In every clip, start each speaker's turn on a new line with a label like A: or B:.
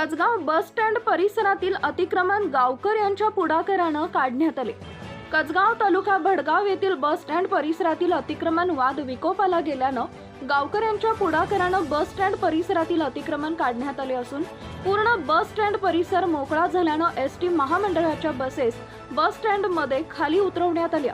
A: कचगाव bus stand परिसरातील अतिक्रमण गावकर यांच्या पुढाकारानं काढण्यात आले। कचगाव तालुका भडगाव येथील बस स्टँड परिसरातील अतिक्रमण वाद विकोपाला गेल्यानं गावकर यांच्या पुढाकारानं बस स्टँड परिसरातील अतिक्रमण काढण्यात आले असून पूर्ण बस स्टँड परिसर मोकळा झाल्यानं एसटी महामंडळाच्या बसेस बस स्टँड मध्ये खाली उतरवण्यात आल्या।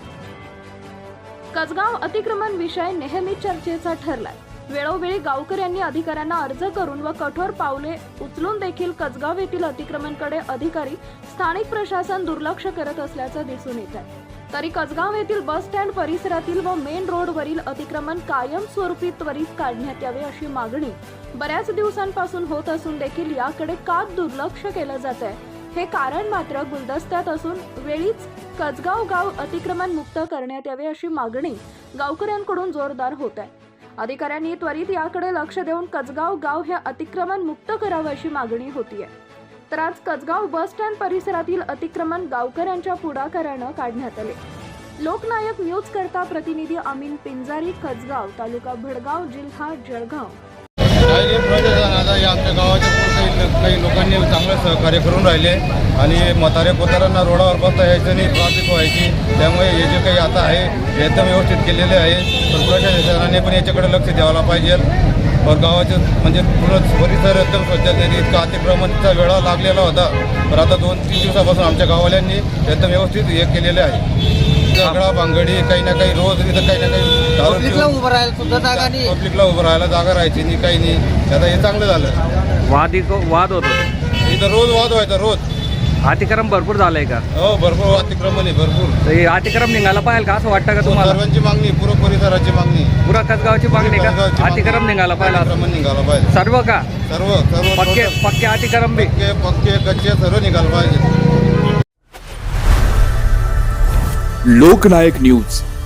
A: कचगाव अतिक्रमण विषय नेहमी चर्चेचा ठरलाय। वेळोवेळी गावकर यांनी अधिकाऱ्यांना अर्ज करून व कठोर पावले उचलून देखील कचगाव येथील अतिक्रमणकडे अधिकारी स्थानिक प्रशासन दुर्लक्ष करत असल्याचं दिसून येत आहे। तरी कचगाव येथील बस स्टँड परिसरातील व मेन रोडवरील अतिक्रमण कायमस्वरूपी त्वरित काढण्यात यावे अशी मागणी बऱ्याच दिवसांपासून होत असून देखील याकडे का दुर्लक्ष केलं जात आहे हे कारण मात्र गुलदस्त्यात असून वेळीच कचगाव गाव अतिक्रमण मुक्त करण्यात यावे अशी मागणी गावकऱ्यांकडून जोरदार होत आहे। अधिकाऱ्यांनी त्वरित याकडे लक्ष देऊन कचगाव गाव हे अतिक्रमण मुक्त करावे अशी मागणी होतीये। तर आज कचगाव बस स्टँड परिसरातील अतिक्रमण गावकऱ्यांच्या पुढाकारानं काढण्यात आले। लोकनायक न्यूज करता प्रतिनिधी अमीन पिंजारी, कचगाव, तालुका भडगाव, जिल्हा जळगाव।
B: आमच्या गावाच्या काही लोकांनी चांगलं सहकार्य करून राहिले आणि म्हातारे कोतारांना रोडावर बसता यायचं नाही, ट्रॅफिक व्हायची। त्यामुळे हे जे काही आता आहे एकदम व्यवस्थित केलेले आहे। तर प्रशासनाने पण याच्याकडे लक्ष द्यायला पाहिजे और गावाचे म्हणजे पूर्ण परिसर एकदम स्वच्छतेने इतका अतिक्रमणचा वेळा लागलेला होता। तर आता 2-3 दिवसापासून आमच्या गाववाल्यांनी एकदम व्यवस्थित हे केलेले आहे। झगडा भांगडी काही ना काही रोज इथं काही ना काही
C: पब्लिकला उभं राहायला सुद्धा जागा नाही,
B: पब्लिकला उभं राहायला जागा राहायची नाही, काही नाही। आता हे चांगलं झालं।
D: वाद होतो
B: इथं रोज वाद व्हायचा, रोज
D: अतिक्रम भरपूर झालंय का?
B: हो, भरपूर अतिक्रमण आहे, भरपूर।
D: तर हे अतिक्रम निघाला पाहिजे का असं वाटतं का तुम्हाला?
B: सर्वांची मागणी, पूर्ण परिसराची मागणी,
D: पुरा कचगावची मागणी का अतिक्रम निघाला पाहिजे?
B: अतिक्रमण निघाला पाहिजे
D: सर्व का?
B: सर्व सर्व
D: पक्के अतिक्रम बी
B: पक्के कच्चे सर्व निघाला पाहिजे।
E: लोकनायक न्यूज।